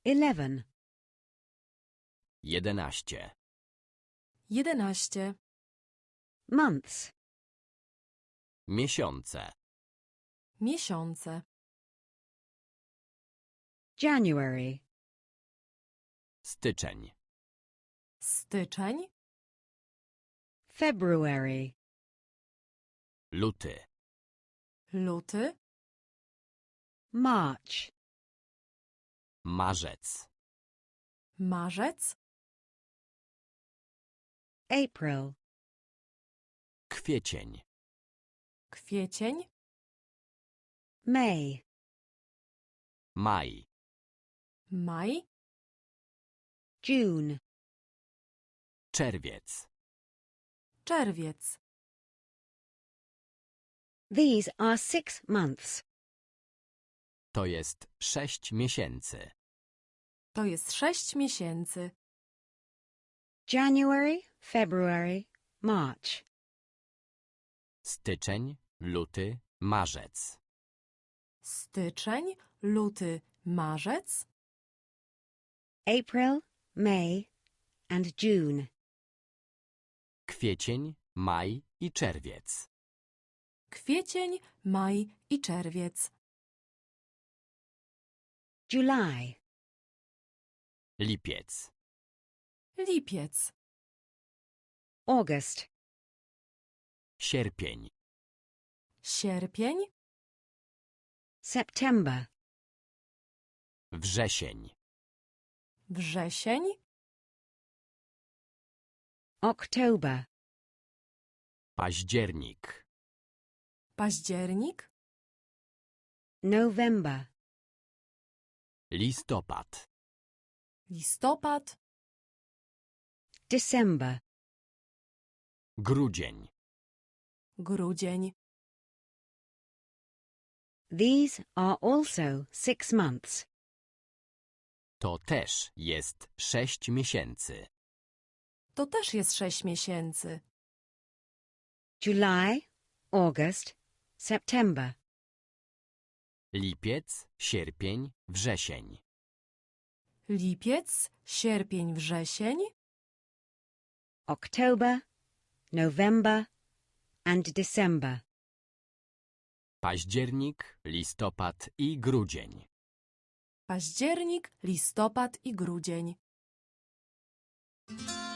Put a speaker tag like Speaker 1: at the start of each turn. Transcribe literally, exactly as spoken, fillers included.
Speaker 1: Eleven.
Speaker 2: Jedenaście.
Speaker 3: Jedenaście.
Speaker 1: Months.
Speaker 2: Miesiące.
Speaker 3: Miesiące.
Speaker 1: January.
Speaker 2: Styczeń.
Speaker 3: Styczeń.
Speaker 1: February.
Speaker 2: Luty.
Speaker 3: Luty.
Speaker 1: March.
Speaker 2: Marzec.
Speaker 3: Marzec.
Speaker 1: April.
Speaker 2: Kwiecień.
Speaker 3: Kwiecień.
Speaker 1: May.
Speaker 2: Maj.
Speaker 3: Maj.
Speaker 1: June.
Speaker 2: Czerwiec.
Speaker 3: Czerwiec.
Speaker 1: These are six months.
Speaker 2: To jest sześć miesięcy.
Speaker 3: To jest sześć miesięcy.
Speaker 1: January, February, March.
Speaker 2: Styczeń, luty, marzec.
Speaker 3: Styczeń, luty, marzec.
Speaker 1: April, May, and June.
Speaker 2: Kwiecień, maj i czerwiec.
Speaker 3: Kwiecień, maj i czerwiec.
Speaker 1: July.
Speaker 2: Lipiec.
Speaker 3: Lipiec.
Speaker 1: August.
Speaker 2: Sierpień.
Speaker 3: Sierpień.
Speaker 1: September.
Speaker 2: Wrzesień.
Speaker 3: Wrzesień.
Speaker 1: October.
Speaker 2: Październik.
Speaker 3: Październik.
Speaker 1: November.
Speaker 2: Listopad.
Speaker 3: Listopad.
Speaker 1: December.
Speaker 2: Grudzień.
Speaker 3: Grudzień.
Speaker 1: These are also six months.
Speaker 2: To też jest sześć miesięcy.
Speaker 3: To też jest sześć miesięcy.
Speaker 1: July, August, September.
Speaker 2: Lipiec, sierpień, wrzesień.
Speaker 3: Lipiec, sierpień, wrzesień.
Speaker 1: October, November, and December.
Speaker 2: Październik, listopad i grudzień.
Speaker 3: Październik, listopad i grudzień.